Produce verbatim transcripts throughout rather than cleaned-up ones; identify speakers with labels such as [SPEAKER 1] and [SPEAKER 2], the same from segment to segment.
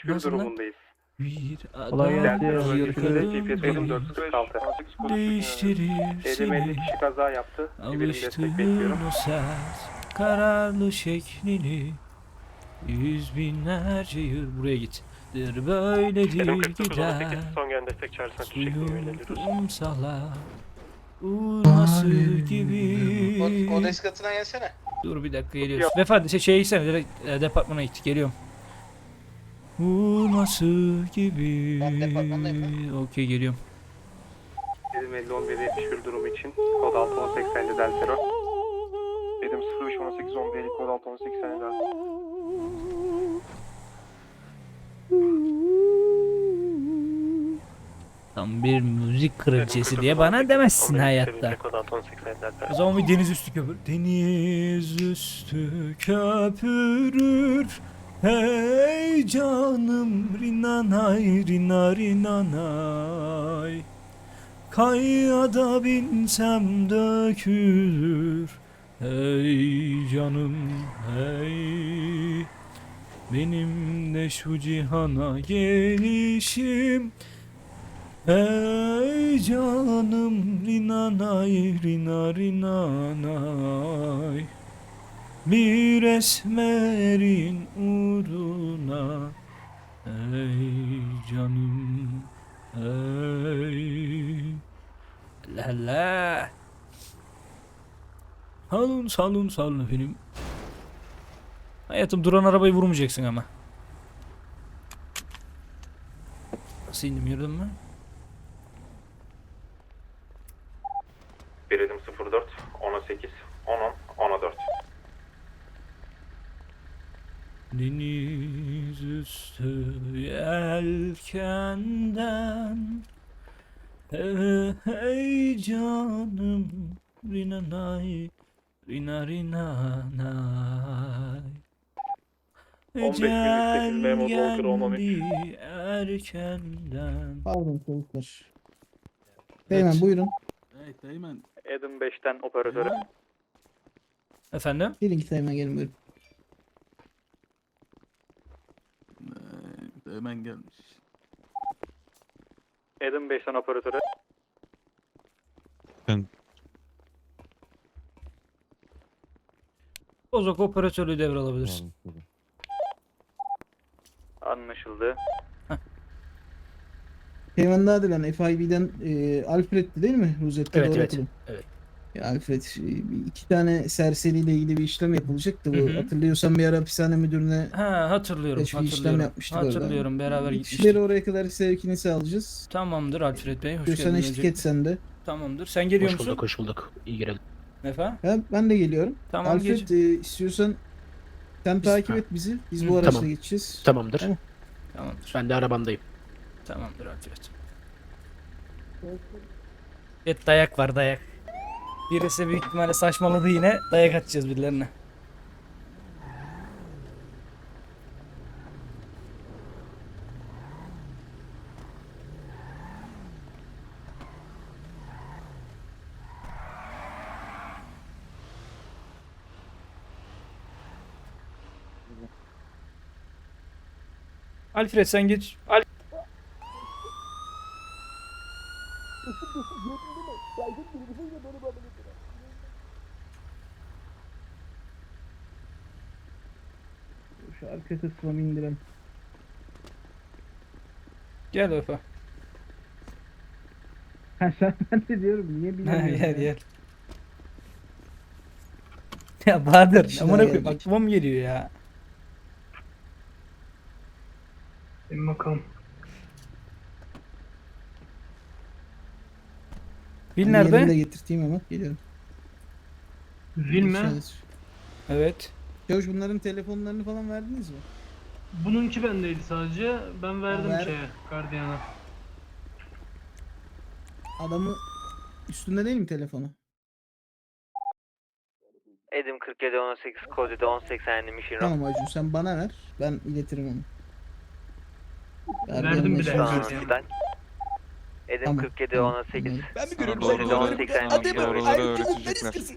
[SPEAKER 1] düşür
[SPEAKER 2] Nasıl lan?
[SPEAKER 1] durumundayız.
[SPEAKER 2] Bir
[SPEAKER 3] Kolay
[SPEAKER 2] adam
[SPEAKER 3] gelsin.
[SPEAKER 2] yırkılır
[SPEAKER 1] G P S edim dört yüz kırk altı.
[SPEAKER 2] değiştirir
[SPEAKER 1] Edim elli
[SPEAKER 2] seni.
[SPEAKER 1] kişi kaza yaptı. Bir birim destek bekliyorum.
[SPEAKER 2] Alıştığın o sert kararlı şeklini yüz binlerce yıl buraya git.
[SPEAKER 1] Edim
[SPEAKER 2] Böyledir
[SPEAKER 1] kırk dokuz on sekiz
[SPEAKER 2] gider.
[SPEAKER 1] son gelen destek çağrısına şu şekilde
[SPEAKER 2] Suyun
[SPEAKER 1] yöneliyoruz.
[SPEAKER 2] kumsala uyuması gibi.
[SPEAKER 4] O, Odes katına gelsene.
[SPEAKER 2] Dur bir dakika geliyoruz. Vefat şey, şey gitsene direkt e, departmana git. Geliyorum. Vurması gibi.
[SPEAKER 4] Ben departmandayım
[SPEAKER 2] Okey geliyorum.
[SPEAKER 1] Edim elli on bir yetmiş bir durumu için kod altı on seksen Deltero. Edim sıfır üç on sekiz on bir kod altı on seksen Deltero.
[SPEAKER 2] Tam bir müzik kraliçesi diye bana demezsin hayatta.
[SPEAKER 1] Kod altı on seksen
[SPEAKER 2] O
[SPEAKER 1] Deltero.
[SPEAKER 2] zaman bir deniz üstü köpür. Deniz üstü köpürür. Hey canım rinanay rina rinanay. Kayada binsem dökülür. Hey canım hey. Benim de şu cihana gelişim. Hey canım rinanay rina rinanay. Bir esmerin uğruna. Hey canım hey. La la. Salın salın salın efendim. Hayatım duran arabayı vurmayacaksın ama. Nasıl indim yürüdün mü?
[SPEAKER 1] Bir edim sıfır dört on sekiz on on on dört.
[SPEAKER 2] Deniz üstü yelkenden. Hey, hey canım rinanay rina rinanay.
[SPEAKER 1] on beş bin yüz sekiz memur Volker on on üç.
[SPEAKER 2] Geldi erkenden.
[SPEAKER 3] Pardon çocuklar. Hemen buyurun.
[SPEAKER 5] Hey Teğmen.
[SPEAKER 1] Edim beşten operatöre.
[SPEAKER 5] Teğmen.
[SPEAKER 2] Efendim?
[SPEAKER 3] Bir iki hemen gelin buyurun.
[SPEAKER 5] Ee, Teğmen gelmiş.
[SPEAKER 1] Edim beşten operatöre.
[SPEAKER 2] Bozok operatörlüğü devralabilirsin.
[SPEAKER 1] Anlaşıldı.
[SPEAKER 3] Hemen daha dilen F I B'den e, Alfred'ti değil mi? Rosette'de
[SPEAKER 2] Evet, evet,
[SPEAKER 3] Oracle'ın.
[SPEAKER 2] evet.
[SPEAKER 3] Ya Alfred e, bir- iki tane serseriyle ilgili bir işlem yapılacaktı. Bu
[SPEAKER 2] Hı hı.
[SPEAKER 3] hatırlıyorsan bir ara hapishane müdürüne
[SPEAKER 2] Ha hatırlıyorum,
[SPEAKER 3] teşvik işlem
[SPEAKER 2] hatırlıyorum.
[SPEAKER 3] yapmıştık orada.
[SPEAKER 2] Hatırlıyorum, beraber
[SPEAKER 3] İşleri
[SPEAKER 2] gitmiştik.
[SPEAKER 3] oraya kadar sevkini sağlayacağız.
[SPEAKER 2] Tamamdır Alfred Bey, hoş
[SPEAKER 3] Diyorsan
[SPEAKER 2] geldiniz.
[SPEAKER 3] eşlik
[SPEAKER 2] önce.
[SPEAKER 3] et sen de.
[SPEAKER 2] Tamamdır. Sen geliyor
[SPEAKER 6] Hoş
[SPEAKER 2] musun?
[SPEAKER 6] bulduk, hoş bulduk. İyi girelim.
[SPEAKER 2] Efendim?
[SPEAKER 3] Ha, ben de geliyorum.
[SPEAKER 2] Tamam,
[SPEAKER 3] Alfred
[SPEAKER 2] geç.
[SPEAKER 3] e, istiyorsan sen takip
[SPEAKER 6] ha.
[SPEAKER 3] et bizi. Biz
[SPEAKER 2] Hı,
[SPEAKER 3] bu araçla
[SPEAKER 6] tamam.
[SPEAKER 3] geçeceğiz.
[SPEAKER 6] Tamamdır.
[SPEAKER 3] Tamam.
[SPEAKER 2] Tamamdır.
[SPEAKER 6] Ben de arabamdayım.
[SPEAKER 2] Tamamdır Alfred. Evet dayak var dayak. Birisi büyük ihtimalle saçmaladı yine. Dayak atacağız birilerine. Alfred sen geç. Al
[SPEAKER 3] Şu arka kısmını indirelim.
[SPEAKER 2] Gel Öfa.
[SPEAKER 3] Ha sen ben de diyorum niye bilmiyorum.
[SPEAKER 2] Gel gel. Ya Bahadır,
[SPEAKER 3] İşte
[SPEAKER 2] amına koyayım
[SPEAKER 3] gelecek.
[SPEAKER 2] aklıma mı geliyor ya?
[SPEAKER 1] Benim bakalım.
[SPEAKER 2] Bil
[SPEAKER 3] Yerini de
[SPEAKER 2] nerede?
[SPEAKER 3] getirteyim ama geliyorum.
[SPEAKER 7] Zil mi?
[SPEAKER 3] Aşağıdır.
[SPEAKER 2] Evet.
[SPEAKER 3] Çavuş bunların telefonlarını falan verdiniz mi?
[SPEAKER 7] Bununki bendeydi sadece. Ben verdim
[SPEAKER 3] Ver.
[SPEAKER 7] şeye, gardiyana.
[SPEAKER 3] Adamı üstünde değil mi telefonu?
[SPEAKER 8] Edim kırk yedi on sekiz Kozi'de on seksen Mission Road.
[SPEAKER 3] Tamam Acun sen bana ver. Ben iletirim onu.
[SPEAKER 7] Verdim bile.
[SPEAKER 3] Gardiyanla
[SPEAKER 7] Tamam.
[SPEAKER 3] şey-
[SPEAKER 8] Sonrasından. Edim
[SPEAKER 3] Tamam,
[SPEAKER 8] kırk yedi
[SPEAKER 3] tamam,
[SPEAKER 8] on sekiz.
[SPEAKER 3] anladım.
[SPEAKER 9] Ben mi görüyorum?
[SPEAKER 8] Kozi'de
[SPEAKER 9] Doğruları-
[SPEAKER 8] on seksen
[SPEAKER 9] Adem'i
[SPEAKER 8] Mission Road.
[SPEAKER 9] doğruları öğretecekler.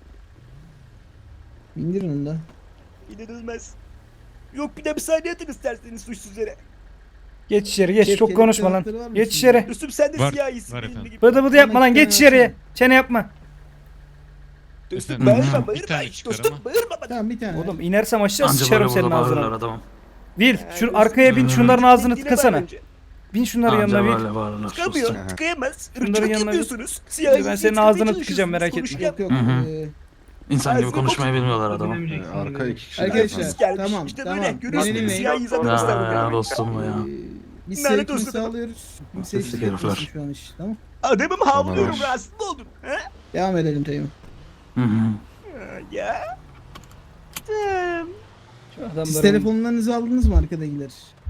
[SPEAKER 3] İndirin onu da.
[SPEAKER 9] İnanılmaz. Yok bir de bir saniye atın isterseniz suçsuz yere.
[SPEAKER 2] Geç içeri geç.
[SPEAKER 3] Cep
[SPEAKER 2] Çok
[SPEAKER 3] yedek
[SPEAKER 2] konuşma lan.
[SPEAKER 3] anahtarı var mı
[SPEAKER 2] Geç
[SPEAKER 3] sizin?
[SPEAKER 2] içeri.
[SPEAKER 6] Dostum sen de
[SPEAKER 9] Var,
[SPEAKER 6] siyahisin.
[SPEAKER 9] var
[SPEAKER 6] benim
[SPEAKER 9] efendim.
[SPEAKER 6] gibi.
[SPEAKER 2] Bıdı bıdı yapma lan.
[SPEAKER 3] Bana
[SPEAKER 2] Geç
[SPEAKER 3] iki
[SPEAKER 2] içeriye.
[SPEAKER 3] tane
[SPEAKER 2] Çene yapma.
[SPEAKER 6] Dostum
[SPEAKER 5] Efendim?
[SPEAKER 6] bağırma
[SPEAKER 5] Hı.
[SPEAKER 9] Bir
[SPEAKER 6] bağırma.
[SPEAKER 9] tane
[SPEAKER 6] hiç.
[SPEAKER 9] çıkar
[SPEAKER 6] Dostum
[SPEAKER 9] ama.
[SPEAKER 6] bağırma bana.
[SPEAKER 3] Tamam bir tane.
[SPEAKER 2] Oğlum inersem aşağı
[SPEAKER 5] Anca
[SPEAKER 2] sıçarım
[SPEAKER 5] böyle
[SPEAKER 2] senin
[SPEAKER 5] burada bağırırlar
[SPEAKER 2] ağzına.
[SPEAKER 5] adamım.
[SPEAKER 2] Will
[SPEAKER 6] Ha,
[SPEAKER 2] şu
[SPEAKER 6] dostum.
[SPEAKER 2] arkaya bin
[SPEAKER 5] Hı.
[SPEAKER 2] şunların ağzını
[SPEAKER 6] Kendine
[SPEAKER 2] tıkasana.
[SPEAKER 6] bağır önce.
[SPEAKER 2] Bin şunların
[SPEAKER 5] Anca
[SPEAKER 2] yanına Will.
[SPEAKER 5] böyle bağırırlar.
[SPEAKER 6] Tıkamıyor.
[SPEAKER 5] Sustum.
[SPEAKER 6] Tıkayamaz.
[SPEAKER 2] Bunların
[SPEAKER 6] Irkçılık
[SPEAKER 2] yanına bir-
[SPEAKER 6] yapıyorsunuz.
[SPEAKER 2] Ben
[SPEAKER 6] Siyahi
[SPEAKER 2] senin
[SPEAKER 6] cinsiyetine
[SPEAKER 2] ağzını
[SPEAKER 6] çalışıyorsunuz,
[SPEAKER 2] tıkacağım, merak etme.
[SPEAKER 6] konuşurken.
[SPEAKER 3] Yok yok.
[SPEAKER 5] Hı hı.
[SPEAKER 3] ee,
[SPEAKER 5] İnsan gibi
[SPEAKER 6] Ağzını
[SPEAKER 5] konuşmayı bilmiyorlar adamım.
[SPEAKER 7] Bilemeyeceksin.
[SPEAKER 10] Arka
[SPEAKER 7] dedi.
[SPEAKER 10] iki kişi.
[SPEAKER 3] Arkadaşlar
[SPEAKER 6] Biz gelmiş.
[SPEAKER 3] tamam
[SPEAKER 6] İşte
[SPEAKER 3] tamam.
[SPEAKER 6] böyle. Görüyorsunuz
[SPEAKER 3] Beni dinleyin.
[SPEAKER 6] siyahi insan dostlar
[SPEAKER 5] Ya, ya
[SPEAKER 6] burada.
[SPEAKER 5] dostum ya.
[SPEAKER 3] Ee, Biz
[SPEAKER 6] Lanet
[SPEAKER 3] sevkini
[SPEAKER 6] olsun.
[SPEAKER 3] sağlıyoruz. Kimse
[SPEAKER 5] Pislik
[SPEAKER 3] hiç yapmasın
[SPEAKER 5] herifler.
[SPEAKER 3] şu an iş. Tamam.
[SPEAKER 6] Adamım havlıyorum
[SPEAKER 10] Tamam.
[SPEAKER 6] rahatsız mı oldun? He?
[SPEAKER 3] Devam edelim Teğmen.
[SPEAKER 5] Hı hı.
[SPEAKER 6] Ha, Ya. Tamam.
[SPEAKER 2] Şu adamların-
[SPEAKER 3] Siz telefonlarınızı aldınız mı arkadakiler?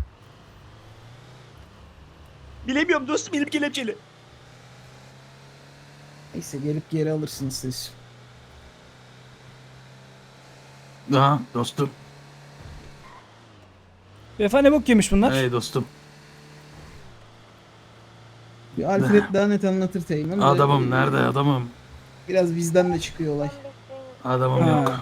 [SPEAKER 6] Bilemiyorum dostum elim kelepçeli.
[SPEAKER 3] Neyse gelip geri alırsınız siz.
[SPEAKER 5] Ha dostum.
[SPEAKER 2] Efendim bok yemiş bunlar.
[SPEAKER 5] Hey dostum.
[SPEAKER 3] Bir Alfred daha net anlatır Teğmen. de,
[SPEAKER 5] Adamım
[SPEAKER 3] ee,
[SPEAKER 5] nerede adamım?
[SPEAKER 3] Biraz bizden de çıkıyor olay.
[SPEAKER 5] Adamım
[SPEAKER 2] Ha.
[SPEAKER 5] yok.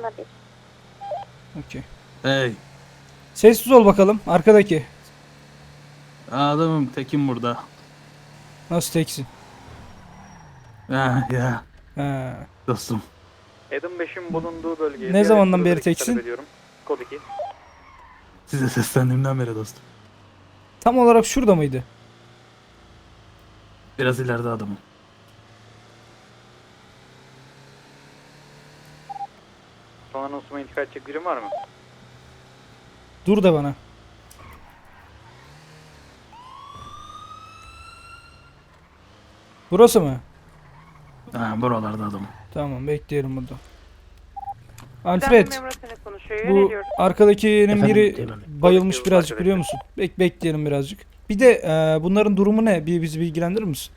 [SPEAKER 2] Okey.
[SPEAKER 5] Hey.
[SPEAKER 2] Sessiz ol bakalım arkadaki.
[SPEAKER 5] Adamım tekim burada.
[SPEAKER 2] Nasıl teksin?
[SPEAKER 5] Ha ya
[SPEAKER 2] Ha.
[SPEAKER 5] dostum.
[SPEAKER 1] Adam beşin bulunduğu bölgeye.
[SPEAKER 2] Ne zamandan beri teksin?
[SPEAKER 1] Kod iki.
[SPEAKER 5] Size seslendiğimden beri dostum.
[SPEAKER 2] Tam olarak şurada mıydı?
[SPEAKER 5] Biraz ileride adamım.
[SPEAKER 8] Son anonsuma intikal edecek birim var mı?
[SPEAKER 2] Dur da bana. Burası mı?
[SPEAKER 5] Ha buralarda adamım.
[SPEAKER 2] Tamam bekleyelim burada. Alfred,
[SPEAKER 8] konuşuyor.
[SPEAKER 2] bu arkadakinin
[SPEAKER 5] Efendim,
[SPEAKER 2] biri
[SPEAKER 5] Teğmen.
[SPEAKER 2] bayılmış
[SPEAKER 8] Konuşuyor,
[SPEAKER 2] birazcık
[SPEAKER 8] takip
[SPEAKER 2] biliyor
[SPEAKER 8] edin.
[SPEAKER 2] musun? Bek bekleyelim birazcık. Bir de e, bunların durumu ne? Bir bizi bilgilendirir misin?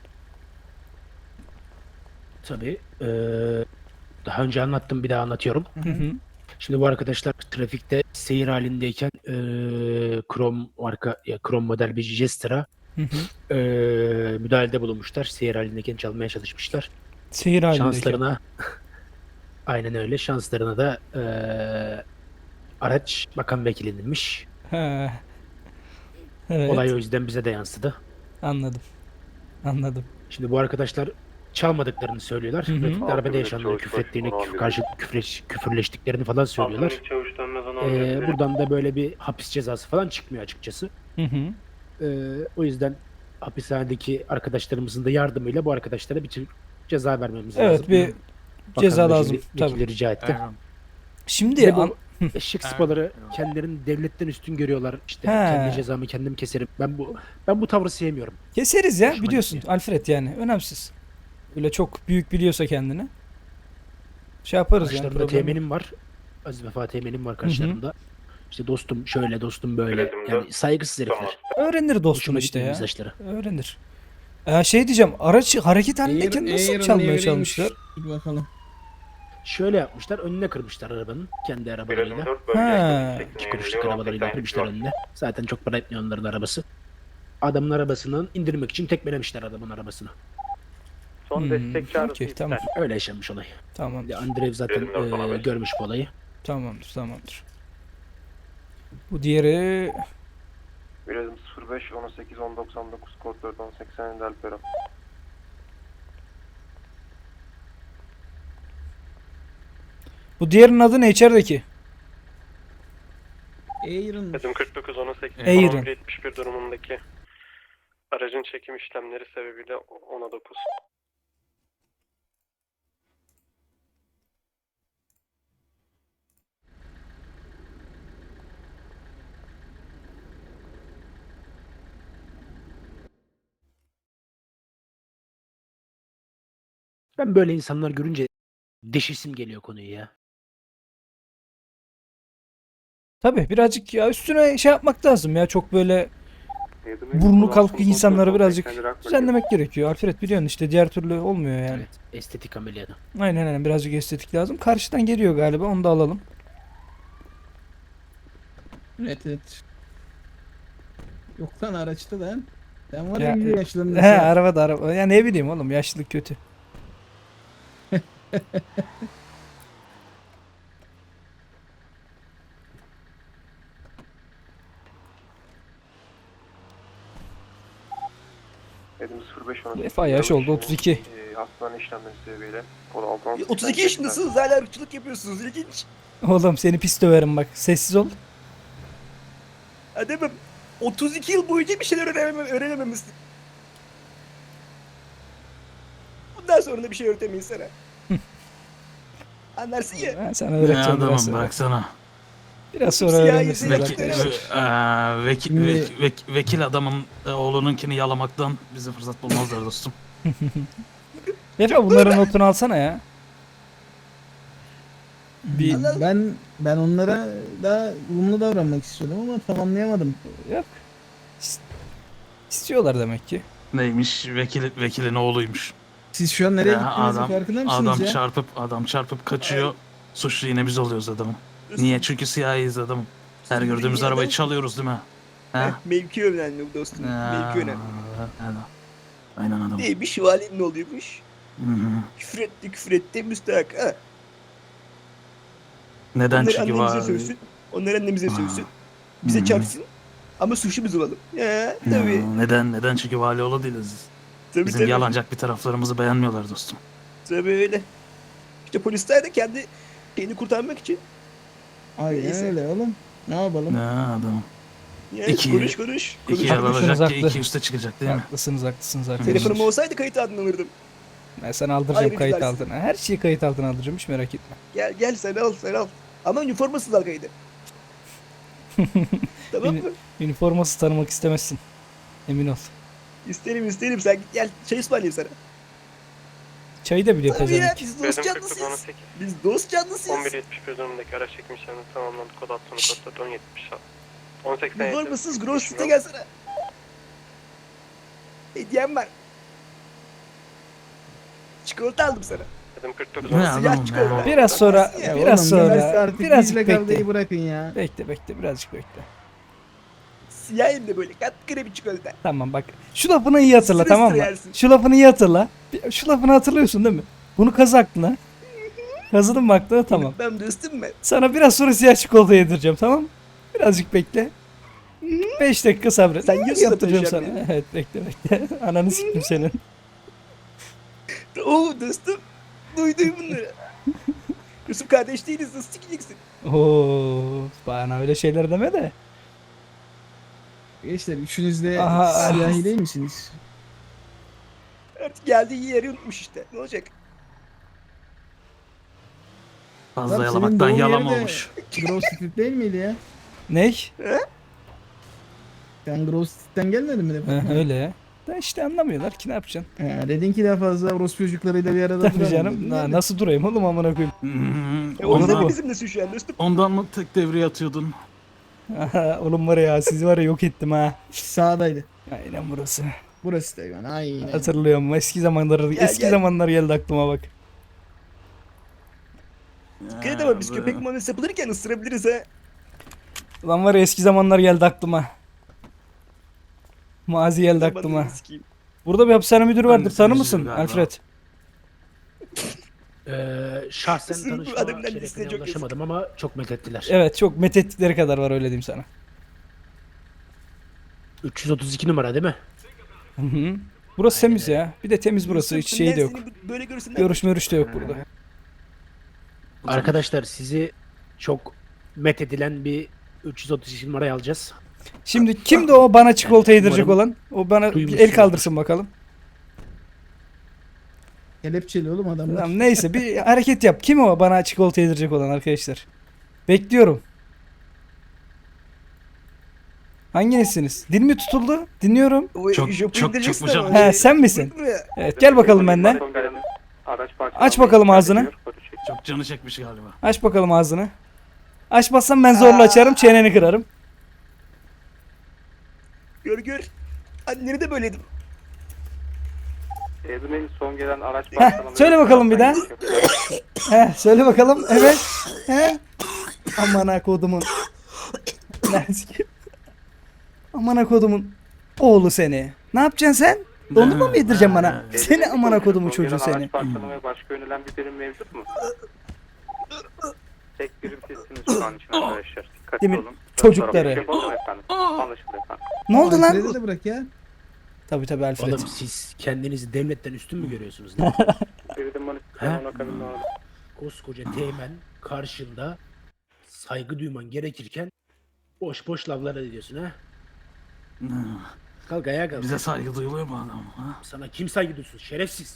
[SPEAKER 11] Tabii. eee, daha önce anlattım, bir daha anlatıyorum.
[SPEAKER 2] Hı hı.
[SPEAKER 11] Şimdi bu arkadaşlar trafikte seyir halindeyken eee Chrome marka, ya Chrome model bir Jester'a
[SPEAKER 2] Hı hı.
[SPEAKER 11] eee, müdahalede bulunmuşlar. Seyir halindeyken çalmaya çalışmışlar.
[SPEAKER 2] Seyir halindeyken.
[SPEAKER 11] Şanslarına aynen öyle. Şanslarına da eee, araç makam vekilinmiş.
[SPEAKER 2] He. Evet.
[SPEAKER 11] Olay o yüzden bize de yansıdı.
[SPEAKER 2] Anladım. Anladım.
[SPEAKER 11] Şimdi bu arkadaşlar çalmadıklarını söylüyorlar.
[SPEAKER 2] Hı hı.
[SPEAKER 11] Trafikte arabada yaşananları küfrettiğini, küfür, karşı küfreş, küfürleştiklerini falan söylüyorlar.
[SPEAKER 1] Çavuş dönmez ona
[SPEAKER 11] Ee, buradan da böyle bir hapis cezası falan çıkmıyor açıkçası.
[SPEAKER 2] Hı hı.
[SPEAKER 11] Ee, o yüzden hapishanedeki arkadaşlarımızın da yardımıyla bu arkadaşlara bir tür ceza vermemiz lazım.
[SPEAKER 2] Evet bir
[SPEAKER 11] Bakan
[SPEAKER 2] ceza
[SPEAKER 11] vekili-
[SPEAKER 2] lazım,
[SPEAKER 11] vekili
[SPEAKER 2] tabii.
[SPEAKER 11] rica etti.
[SPEAKER 2] şimdi
[SPEAKER 11] Bir de bu
[SPEAKER 2] an-
[SPEAKER 11] eşek sıpaları kendilerini devletten üstün görüyorlar. İşte
[SPEAKER 2] He.
[SPEAKER 11] kendi cezamı kendim keserim. Ben bu ben bu tavrı sevmiyorum.
[SPEAKER 2] keseriz ya
[SPEAKER 11] Hoşuma
[SPEAKER 2] biliyorsun
[SPEAKER 11] gitmiyor.
[SPEAKER 2] Alfred yani önemsiz. Öyle çok büyük biliyorsa kendini. Şey yaparız yani.
[SPEAKER 11] Karşılarında
[SPEAKER 2] problem yok.
[SPEAKER 11] teğmenim var. Aziz Vefa teğmenim var karşılarında. İşte dostum şöyle, dostum böyle. Yani saygısız herifler.
[SPEAKER 2] Öğrenir dostum
[SPEAKER 11] Hoşuma
[SPEAKER 2] işte
[SPEAKER 11] gitmiyor
[SPEAKER 2] ya.
[SPEAKER 11] mesajları.
[SPEAKER 2] Öğrenir. Ee, şey diyeceğim araç hareket halindeyken
[SPEAKER 3] Air-
[SPEAKER 2] nasıl
[SPEAKER 3] Air'ın
[SPEAKER 2] çalmaya
[SPEAKER 3] devreymiş.
[SPEAKER 2] çalışmışlar?
[SPEAKER 3] Bir bakalım.
[SPEAKER 11] Şöyle yapmışlar, önüne kırmışlar arabanın, kendi arabalarıyla.
[SPEAKER 2] Ha.
[SPEAKER 11] İki kuruşluk arabalarıyla kırmışlar önüne. Zaten çok para etmiyor onların arabası. Adamın arabasını indirmek için tekmelemişler adamın arabasını.
[SPEAKER 8] Son
[SPEAKER 2] Hmm,
[SPEAKER 8] destek çağrısı
[SPEAKER 2] okey,
[SPEAKER 8] iptal.
[SPEAKER 2] tamam.
[SPEAKER 11] Öyle yaşanmış olay.
[SPEAKER 2] Tamam.
[SPEAKER 11] Bir de Andreev zaten eee, görmüş bu olayı.
[SPEAKER 2] Tamamdır tamamdır. Bu diğeri
[SPEAKER 1] Bir adım sıfır beş on sekiz on doksan dokuz kod dört on seksen Delpero.
[SPEAKER 2] bu diğerinin adı ne içerideki?
[SPEAKER 3] Air'ın
[SPEAKER 1] Adım kırk dokuz on sekiz
[SPEAKER 2] Ayrı.
[SPEAKER 1] on bir yetmiş bir durumundaki aracın çekim işlemleri sebebiyle ona dokuz.
[SPEAKER 11] Ben böyle insanlar görünce deşisim geliyor konuyu ya.
[SPEAKER 2] Tabii birazcık ya üstüne şey yapmak lazım ya çok böyle burnu kalkık insanları birazcık düzenlemek gerekiyor. Alfred biliyorsun işte diğer türlü olmuyor yani.
[SPEAKER 11] Evet, estetik ameliyatı.
[SPEAKER 2] Aynen aynen birazcık estetik lazım. Karşıdan geliyor galiba onu da alalım.
[SPEAKER 3] evet evet. Yok lan araçta da. Sen var
[SPEAKER 2] Ya,
[SPEAKER 3] ya
[SPEAKER 2] e,
[SPEAKER 3] elli yaşlarında.
[SPEAKER 2] He
[SPEAKER 3] sen.
[SPEAKER 2] araba da araba. Ya ne bileyim oğlum yaşlılık kötü.
[SPEAKER 1] Edim sıfır beş on sekiz.
[SPEAKER 2] Vefa yaş oldu otuz iki.
[SPEAKER 1] E, hastane işlemleri sebebiyle kod altı on sekiz.
[SPEAKER 6] otuz iki yaşındasınız hala ırkçılık yapıyorsunuz. İlginç.
[SPEAKER 2] Oğlum seni pis döverim bak. Sessiz ol.
[SPEAKER 6] Adamım otuz iki yıl boyunca bir şeyler öğrenemem, öğrenememişsin. Bundan sonra da bir şey öğretemeyiz sana. Anlarsın ya.
[SPEAKER 2] Ben sana
[SPEAKER 5] Ne
[SPEAKER 2] öğreteceğim biraz
[SPEAKER 5] adamım
[SPEAKER 2] sonra.
[SPEAKER 5] bıraksana.
[SPEAKER 2] Biraz sonra
[SPEAKER 6] Siyah
[SPEAKER 2] öğrenirsin
[SPEAKER 6] yüzü
[SPEAKER 2] zaten.
[SPEAKER 6] yakıştı.
[SPEAKER 5] Vekil, eee, vekil,
[SPEAKER 3] Şimdi-
[SPEAKER 5] vek- vek- vekil adamın e, oğlununkini yalamaktan bize fırsat bulmazlar dostum.
[SPEAKER 2] Vefa bunların notunu alsana ya. Bir
[SPEAKER 3] Ben ben onlara daha ılımlı davranmak istiyordum ama tamamlayamadım.
[SPEAKER 2] yok. İst- İstiyorlar demek ki.
[SPEAKER 5] Neymiş? Vekil, vekilin oğluymuş.
[SPEAKER 3] Siz şu an nereye
[SPEAKER 5] Ya
[SPEAKER 3] gittiğinizin
[SPEAKER 5] adam,
[SPEAKER 3] farkında mısınız
[SPEAKER 5] adam
[SPEAKER 3] ya?
[SPEAKER 5] çarpıp adam çarpıp kaçıyor. Suçlu yine biz oluyoruz adamım. Niye? Çünkü siyahiyiz adamım. Her
[SPEAKER 6] Siz
[SPEAKER 5] gördüğümüz
[SPEAKER 6] niye
[SPEAKER 5] arabayı
[SPEAKER 6] adam-
[SPEAKER 5] çalıyoruz değil mi?
[SPEAKER 6] Heh,
[SPEAKER 5] Ha?
[SPEAKER 6] mevki önemli dostum. Mevki önemli.
[SPEAKER 5] Aynen. Aynen adam.
[SPEAKER 6] Neymiş? Valinin oluyormuş.
[SPEAKER 5] Hı hı.
[SPEAKER 6] Küfür etti, küfür etti, müstahak. Ha.
[SPEAKER 5] Neden?
[SPEAKER 6] Onları
[SPEAKER 5] Çünkü
[SPEAKER 6] annemize
[SPEAKER 5] var.
[SPEAKER 6] sövsün. Onları annemize
[SPEAKER 5] Ha.
[SPEAKER 6] sövsün. Bize
[SPEAKER 5] Hı.
[SPEAKER 6] çarpsın. Ama suçlu biz olalım. Ya,
[SPEAKER 5] Ya,
[SPEAKER 6] tabii.
[SPEAKER 5] neden? Neden? Çünkü vali oğlu değiliz.
[SPEAKER 6] Tabii
[SPEAKER 5] Bizim
[SPEAKER 6] tabii.
[SPEAKER 5] yalancak bir taraflarımızı beğenmiyorlar dostum.
[SPEAKER 6] Tabii öyle. İşte polisler de kendi kendini kurtarmak için.
[SPEAKER 3] Aynen
[SPEAKER 6] Neyse.
[SPEAKER 3] öyle oğlum. Ne yapalım?
[SPEAKER 5] Ne adam?
[SPEAKER 6] Ya,
[SPEAKER 5] İki-
[SPEAKER 6] konuş konuş.
[SPEAKER 5] İki
[SPEAKER 6] konuş.
[SPEAKER 2] Haklısınız,
[SPEAKER 5] yalanacak ki
[SPEAKER 2] haklı.
[SPEAKER 5] iki üste çıkacak değil mi?
[SPEAKER 2] Haklısınız haklısınız
[SPEAKER 5] Hı.
[SPEAKER 2] arkadaşlar.
[SPEAKER 6] Telefonum olsaydı kayıt altına alırdım.
[SPEAKER 2] Ben sana aldıracağım
[SPEAKER 6] Ayrıca
[SPEAKER 2] kayıt
[SPEAKER 6] dersin.
[SPEAKER 2] altına. Her şeyi kayıt altına aldıracağım hiç merak etme.
[SPEAKER 6] Gel gel sen al sen al. Ama üniformasız al kaydı. Tamam mı?
[SPEAKER 2] Üniforması tanımak istemezsin. Emin ol.
[SPEAKER 6] İsterim isterim sen git gel çay ısmarlayayım sana.
[SPEAKER 2] Çayı da biliyor
[SPEAKER 6] Tabii ya
[SPEAKER 2] pezevenk.
[SPEAKER 6] biz
[SPEAKER 1] Edim
[SPEAKER 6] dost
[SPEAKER 1] kırk dokuz on
[SPEAKER 6] canlısıyız.
[SPEAKER 1] sekiz.
[SPEAKER 6] Biz dost
[SPEAKER 1] on
[SPEAKER 6] canlısıyız.
[SPEAKER 1] bir yetmiş bir durumundaki araç çekim işlemi tamamlandı. Kod altı on kod on yetmiş on seksen yedi.
[SPEAKER 6] Üniformasız Gross Street'e gelsene. Hediyem var. Çikolata aldım sana.
[SPEAKER 1] Edim kırk dokuz
[SPEAKER 5] Ne
[SPEAKER 1] on
[SPEAKER 6] Siyah
[SPEAKER 5] adamım
[SPEAKER 6] çikolata.
[SPEAKER 5] ya?
[SPEAKER 2] Biraz sonra
[SPEAKER 6] Ya
[SPEAKER 2] biraz
[SPEAKER 3] Oğlum,
[SPEAKER 2] sonra
[SPEAKER 3] üniversite artık
[SPEAKER 2] birazcık
[SPEAKER 3] bizle kavgayı
[SPEAKER 2] bekle.
[SPEAKER 3] bırakın ya.
[SPEAKER 2] Bekle bekle birazcık bekle.
[SPEAKER 6] Siyah hem de böyle kat kremi çikolata.
[SPEAKER 2] Tamam bak. Şu lafını iyi hatırla
[SPEAKER 6] Sıra
[SPEAKER 2] tamam
[SPEAKER 6] sıra
[SPEAKER 2] mı?
[SPEAKER 6] yersin.
[SPEAKER 2] Şu lafını iyi hatırla. Bir- Şu lafını hatırlıyorsun değil mi? Bunu kaz aklına. Kazıdın mı aklına tamam.
[SPEAKER 6] Ben dostum ben.
[SPEAKER 2] Sana biraz sonra siyah çikolata yedireceğim tamam mı? Birazcık bekle. beş dakika sabret.
[SPEAKER 6] Sen yiyorsun
[SPEAKER 2] Yaptıracağım
[SPEAKER 6] zaten
[SPEAKER 2] sana.
[SPEAKER 6] şu an
[SPEAKER 2] Evet bekle bekle. Ananı siktim senin.
[SPEAKER 6] Oo dostum. Duydum bunları. Yusuf kardeş değiliz nasıl sikeceksin?
[SPEAKER 2] Oo, bana öyle şeyler deme de.
[SPEAKER 3] Gençler üçünüz de
[SPEAKER 2] Aha.
[SPEAKER 3] siyahi değil misiniz?
[SPEAKER 6] Artık geldiği yeri unutmuş işte. Ne olacak?
[SPEAKER 5] Fazla
[SPEAKER 3] Lan senin
[SPEAKER 5] yalamaktan
[SPEAKER 3] doğum
[SPEAKER 5] yalam
[SPEAKER 3] yeri de
[SPEAKER 5] olmuş.
[SPEAKER 3] Grove Street değil miydi ya?
[SPEAKER 2] Ney?
[SPEAKER 3] Sen Grove Street'ten gelmedin mi?
[SPEAKER 2] Ha, öyle. Da işte anlamıyorlar ki ne yapacaksın?
[SPEAKER 3] Ha, dedin ki daha fazla Rus çocuklarıyla bir arada
[SPEAKER 2] Tabii
[SPEAKER 3] duralım
[SPEAKER 2] canım.
[SPEAKER 3] dedin,
[SPEAKER 2] Na-
[SPEAKER 3] değil mi?
[SPEAKER 2] nasıl durayım oğlum amına koyayım?
[SPEAKER 5] Hmm,
[SPEAKER 6] E, o yüzden
[SPEAKER 2] bu.
[SPEAKER 6] bizimlesin şu an dostum.
[SPEAKER 5] ondan mı tek devreye atıyordun?
[SPEAKER 2] Aha, oğlum var ya sizi var ya yok ettim ha.
[SPEAKER 3] Sağdaydı.
[SPEAKER 2] Aynen burası.
[SPEAKER 3] Burası da yani aynen.
[SPEAKER 2] Hatırlıyorum eski zamanları
[SPEAKER 6] Gel,
[SPEAKER 2] eski
[SPEAKER 6] gel.
[SPEAKER 2] zamanlar geldi aklıma bak.
[SPEAKER 6] Dikkat ama biz
[SPEAKER 5] Ya,
[SPEAKER 6] köpek muamelesi yapılırken ısırabiliriz ha.
[SPEAKER 2] Ulan var ya eski zamanlar geldi aklıma. Mazi geldi
[SPEAKER 6] Zamanını
[SPEAKER 2] aklıma.
[SPEAKER 6] sikeyim.
[SPEAKER 2] Burada bir hapishane müdürü vardır
[SPEAKER 5] Annesi
[SPEAKER 2] tanır
[SPEAKER 5] müdürü
[SPEAKER 2] mısın
[SPEAKER 5] galiba.
[SPEAKER 2] Alfred?
[SPEAKER 11] Ee, şahsen
[SPEAKER 6] Sırf bu
[SPEAKER 11] tanışma
[SPEAKER 6] adamın annesi de
[SPEAKER 11] şerefine
[SPEAKER 6] çok
[SPEAKER 11] ulaşamadım ama çok methettiler.
[SPEAKER 2] Evet çok methettikleri kadar var öyle diyeyim sana.
[SPEAKER 11] üç yüz otuz iki numara değil mi?
[SPEAKER 2] Hı hı. Burası temiz ya. Bir de temiz burası hiç
[SPEAKER 6] Yusuf,
[SPEAKER 2] şey de
[SPEAKER 6] ben
[SPEAKER 2] yok.
[SPEAKER 6] seni bu- Böyle görürsün.
[SPEAKER 2] Görüş mörüş de yok burada.
[SPEAKER 11] Arkadaşlar sizi çok methedilen bir üç yüz otuz iki numarayı alacağız.
[SPEAKER 2] Şimdi kimdi o bana çikolata yedirecek
[SPEAKER 11] Umarım
[SPEAKER 2] olan? O bana bir el
[SPEAKER 11] duymuşsunuzdur.
[SPEAKER 2] kaldırsın bakalım.
[SPEAKER 3] Kelepçeli oğlum adamlar.
[SPEAKER 2] Tamam, neyse bir hareket yap. Kim o bana çikolata yedirecek olan arkadaşlar? Bekliyorum. Hanginizsiniz? Dil mi tutuldu? Dinliyorum.
[SPEAKER 5] Çok- çok- çok mu canım?
[SPEAKER 2] He, sen misin? Evet gel bakalım benimle.
[SPEAKER 1] Araç
[SPEAKER 2] Aç bakalım ağzını.
[SPEAKER 5] Çok canı çekmiş galiba.
[SPEAKER 2] Aç bakalım ağzını. Açmazsan ben zorla açarım çeneni kırarım.
[SPEAKER 6] Gör gör. Anneni de böyleydim.
[SPEAKER 1] Edim son gelen araç
[SPEAKER 2] Heh, söyle bakalım bir daha. He söyle bakalım. Evet. He. Aman ha kodumun. Nasıl? Aman ha kodumun oğlu seni. Ne yapacaksın sen? Dondurma mı yedireceksin bana? Seni aman ha kodumun çocuğu seni.
[SPEAKER 1] Araç parçalamaya başka yönelen bir birim mevcut mu? Tek birim sizsiniz şu an için arkadaşlar. Dikkatli
[SPEAKER 2] Demin
[SPEAKER 1] olun.
[SPEAKER 2] çocukları.
[SPEAKER 1] Yapalım efendim. Anlaşıldı efendim.
[SPEAKER 2] Ne oldu lan?
[SPEAKER 3] Alfred'i de bırak ya.
[SPEAKER 2] Tabii tabii Alfred.
[SPEAKER 11] Oğlum siz kendinizi devletten üstün mü görüyorsunuz? Ne?
[SPEAKER 1] Ferid'in manisi
[SPEAKER 11] Ha?
[SPEAKER 1] ona kabinde orada.
[SPEAKER 11] Koskoca teğmen karşında saygı duyman gerekirken boş boş laflar ediyorsun ha? Kalk ayağa kalk.
[SPEAKER 5] Bize saygı duyuluyor mu adam? Ha?
[SPEAKER 11] Sana kim saygı duysun? Şerefsiz.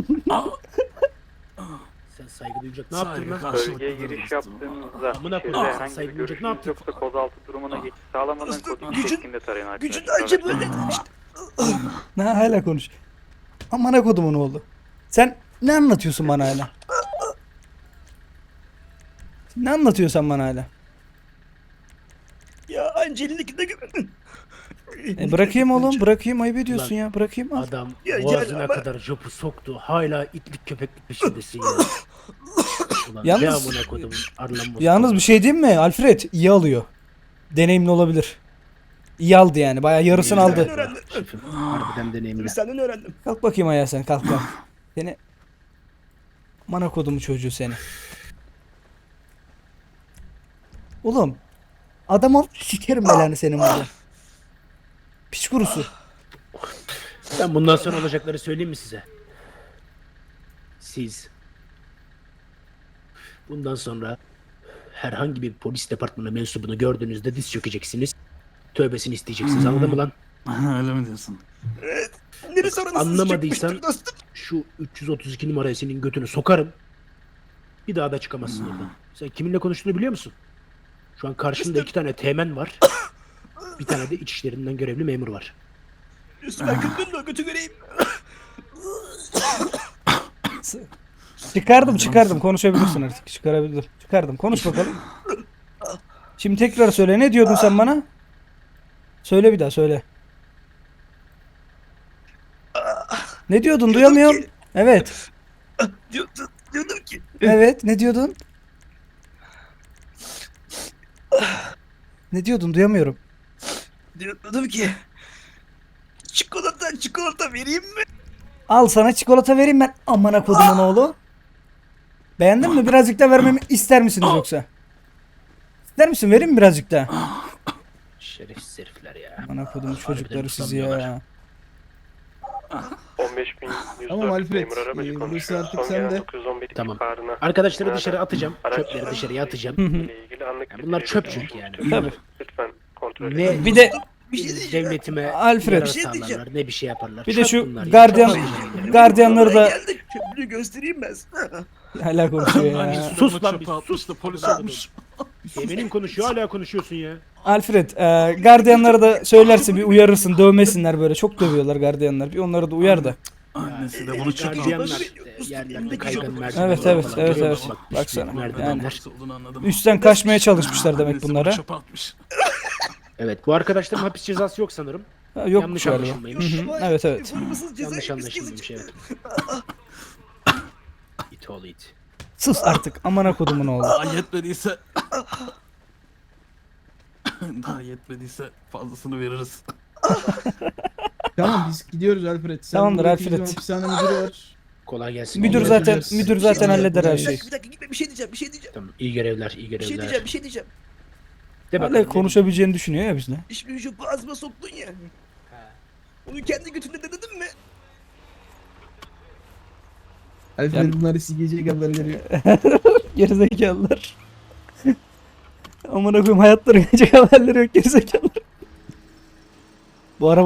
[SPEAKER 11] Sen saygı duyacak ne yaptın
[SPEAKER 5] Saygı
[SPEAKER 11] lan?
[SPEAKER 5] karşılıklı
[SPEAKER 1] Bölgeye giriş
[SPEAKER 5] dururuz.
[SPEAKER 1] yaptığınızda
[SPEAKER 11] Amına
[SPEAKER 1] içeride
[SPEAKER 11] koyayım,
[SPEAKER 1] herhangi bir
[SPEAKER 11] saygı duyacak, ne
[SPEAKER 1] görüşünüz
[SPEAKER 11] yaptık?
[SPEAKER 1] yoksa kod altı durumuna geçiş sağlamadan kod iki
[SPEAKER 6] gücün-
[SPEAKER 1] şeklinde tarayın arkadaşlar.
[SPEAKER 6] Gücün acı böyle.
[SPEAKER 2] Ne hala konuş. Amına kodumun oğlu. Sen ne anlatıyorsun bana hala? Ne anlatıyorsun bana hala?
[SPEAKER 6] Ya Angelina'kine güven.
[SPEAKER 2] E bırakayım oğlum, bırakayım, ayıp ediyorsun
[SPEAKER 11] Lan,
[SPEAKER 2] ya, bırakayım al.
[SPEAKER 11] Adam
[SPEAKER 6] Ya,
[SPEAKER 11] boğazına
[SPEAKER 6] yani ama-
[SPEAKER 11] kadar jopu soktu. Hala itlik köpeklik peşindesin ya. Ulan
[SPEAKER 2] Yalnız-
[SPEAKER 11] ne amına kodumun arlanması.
[SPEAKER 2] Yalnız bir şey diyeyim mi? Alfred iyi alıyor. Deneyimli olabilir. İyi aldı yani, bayağı yarısını
[SPEAKER 6] Ben
[SPEAKER 2] aldı.
[SPEAKER 6] öğrendim.
[SPEAKER 11] Şefim harbiden deneyimli.
[SPEAKER 6] Dur, senden öğrendim.
[SPEAKER 2] Kalk bakayım ayağa sen, kalk kalk. Seni... Amına kodumu çocuğu seni. Oğlum. Adam ol, sikerim belanı senin burada. Piç kurusu.
[SPEAKER 11] Ben bundan sonra olacakları söyleyeyim mi size? Siz bundan sonra herhangi bir polis departmanı mensubunu gördüğünüzde diz çökeceksiniz. Tövbesini isteyeceksiniz. Anladın mı lan?
[SPEAKER 5] Öyle mi diyorsun?
[SPEAKER 6] Neresi orası
[SPEAKER 11] Anlamadıysan
[SPEAKER 6] sıcakmıştır dostum.
[SPEAKER 11] şu üç yüz otuz iki numaraya senin götünü sokarım. Bir daha da çıkamazsın oradan. Sen kiminle konuştuğunu biliyor musun? Şu an karşında iki tane teğmen var. Bir tane de iç işlerinden görevli memur var.
[SPEAKER 6] Üstüme kırdın da götü göreyim.
[SPEAKER 2] Çıkardım çıkardım, konuşabilirsin artık. Çıkarabilirim. Çıkardım, konuş bakalım. Şimdi tekrar söyle, ne diyordun sen bana? Söyle bir daha söyle. Ne diyordun, duyamıyorum. Evet.
[SPEAKER 6] Diyordum, diyordum ki.
[SPEAKER 2] Evet, ne diyordun? Ne diyordun, duyamıyorum.
[SPEAKER 6] Diyordum ki. Çikolata çikolata vereyim mi?
[SPEAKER 2] Al sana çikolata vereyim ben, amına kodumun oğlu. Beğendin mi? Birazcık da vermemi ister misiniz yoksa? İster misin? Vereyim mi birazcık da?
[SPEAKER 11] Şerefsiz herifler ya.
[SPEAKER 2] Amına kodumun
[SPEAKER 11] Harbiden
[SPEAKER 2] çocukları sizi
[SPEAKER 11] tutamıyorlar.
[SPEAKER 2] ya.
[SPEAKER 1] on beş bin yüz
[SPEAKER 3] Tamam
[SPEAKER 1] dört
[SPEAKER 3] Alfred,
[SPEAKER 1] memur arabacı
[SPEAKER 3] ee, burası
[SPEAKER 1] konuşuyor.
[SPEAKER 3] artık
[SPEAKER 1] Son
[SPEAKER 3] sen
[SPEAKER 1] gelen
[SPEAKER 3] de.
[SPEAKER 1] dokuz yüz on bir
[SPEAKER 11] Tamam.
[SPEAKER 1] ihbarına
[SPEAKER 11] Arkadaşları
[SPEAKER 1] Nerede?
[SPEAKER 11] dışarı atacağım.
[SPEAKER 1] Araç-
[SPEAKER 11] Çöpleri dışarıya atacağım.
[SPEAKER 1] ile ilgili anlık
[SPEAKER 11] Yani bunlar
[SPEAKER 1] bilgi
[SPEAKER 11] çöp
[SPEAKER 1] verilmiş.
[SPEAKER 11] çünkü yani.
[SPEAKER 2] Tabii.
[SPEAKER 1] Lütfen kontrol edin.
[SPEAKER 11] Ne
[SPEAKER 2] Bir de
[SPEAKER 6] Bir şey diyeceğim.
[SPEAKER 11] devletime
[SPEAKER 2] Alfred.
[SPEAKER 11] yarar
[SPEAKER 6] Bir şey diyeceğim.
[SPEAKER 11] sağlarlar ne bir şey yaparlar.
[SPEAKER 2] Bir de
[SPEAKER 11] Çöp
[SPEAKER 2] şu
[SPEAKER 11] bunlar ya,
[SPEAKER 2] gardiyan-
[SPEAKER 11] çöp bunlar ya.
[SPEAKER 2] gardiyanları da
[SPEAKER 6] Geldik. Köprüyü göstereyim ben sana.
[SPEAKER 2] hala konuşuyor
[SPEAKER 5] Hani
[SPEAKER 2] ya.
[SPEAKER 11] Sus lan bir
[SPEAKER 5] çöpe atmış
[SPEAKER 11] sus.
[SPEAKER 5] da polis olmuş.
[SPEAKER 11] Eminim konuşuyor hala konuşuyorsun ya.
[SPEAKER 2] Alfred, e, gardiyanlara da söylerse bir uyarırsın, dövmesinler böyle. Çok dövüyorlar gardiyanlar. Bir onları da uyar da.
[SPEAKER 5] Annesi de bunu çöpe
[SPEAKER 11] Gardiyanlar
[SPEAKER 5] atmış.
[SPEAKER 11] işte yerlerde kaygan merdivenler
[SPEAKER 2] Evet, evet,
[SPEAKER 11] falan
[SPEAKER 2] evet,
[SPEAKER 11] görüyor
[SPEAKER 2] evet.
[SPEAKER 11] musun? Bak,
[SPEAKER 2] Baksana.
[SPEAKER 11] merdivenler.
[SPEAKER 5] Polis olduğunu anladım.
[SPEAKER 2] Üstten kaçmaya çalışmışlar demek
[SPEAKER 5] Annesi bunu
[SPEAKER 2] bunlara.
[SPEAKER 5] çöpe atmış.
[SPEAKER 11] Evet bu arkadaşların hapis cezası yok sanırım.
[SPEAKER 2] Ha, yok
[SPEAKER 11] Yanlış
[SPEAKER 2] galiba.
[SPEAKER 11] anlaşılmaymış.
[SPEAKER 2] Hı hı, evet evet.
[SPEAKER 6] Formasız ceza
[SPEAKER 11] Yanlış
[SPEAKER 6] yemiş
[SPEAKER 11] anlaşılmamış
[SPEAKER 6] gezecek.
[SPEAKER 11] evet. İt oğlu it.
[SPEAKER 2] Sus artık, amına kodumun oğlu.
[SPEAKER 5] Daha yetmediyse... Daha yetmediyse fazlasını veririz.
[SPEAKER 3] Tamam biz gidiyoruz Alfred. Sen
[SPEAKER 2] Tamamdır
[SPEAKER 3] buradaki
[SPEAKER 2] Alfred.
[SPEAKER 3] bizim hapishane müdürü var.
[SPEAKER 11] Kolay gelsin.
[SPEAKER 2] Müdür
[SPEAKER 3] Vallahi
[SPEAKER 2] zaten
[SPEAKER 3] biliriz.
[SPEAKER 2] müdür
[SPEAKER 3] Bir
[SPEAKER 2] zaten
[SPEAKER 3] şey
[SPEAKER 2] halleder her
[SPEAKER 3] diyeceğim.
[SPEAKER 6] Bir
[SPEAKER 2] şeyi.
[SPEAKER 6] dakika bir dakika gitme bir şey diyeceğim bir şey diyeceğim.
[SPEAKER 11] Tamam, iyi görevler iyi
[SPEAKER 6] Bir
[SPEAKER 11] görevler.
[SPEAKER 6] şey diyeceğim bir şey diyeceğim.
[SPEAKER 11] De bakalım,
[SPEAKER 2] Hala
[SPEAKER 11] ne
[SPEAKER 2] konuşabileceğini düşünüyor ya bizle.
[SPEAKER 6] İşte şu ağzıma soktun ya. Onu kendi götünde denedin mi?
[SPEAKER 3] Alfred
[SPEAKER 2] Yani-
[SPEAKER 3] bunları sigecek haber veriyor.
[SPEAKER 2] Gerizekalılar. Amına koyayım, hayatları gelecek haberleri yok gerizekalılar. Bu araba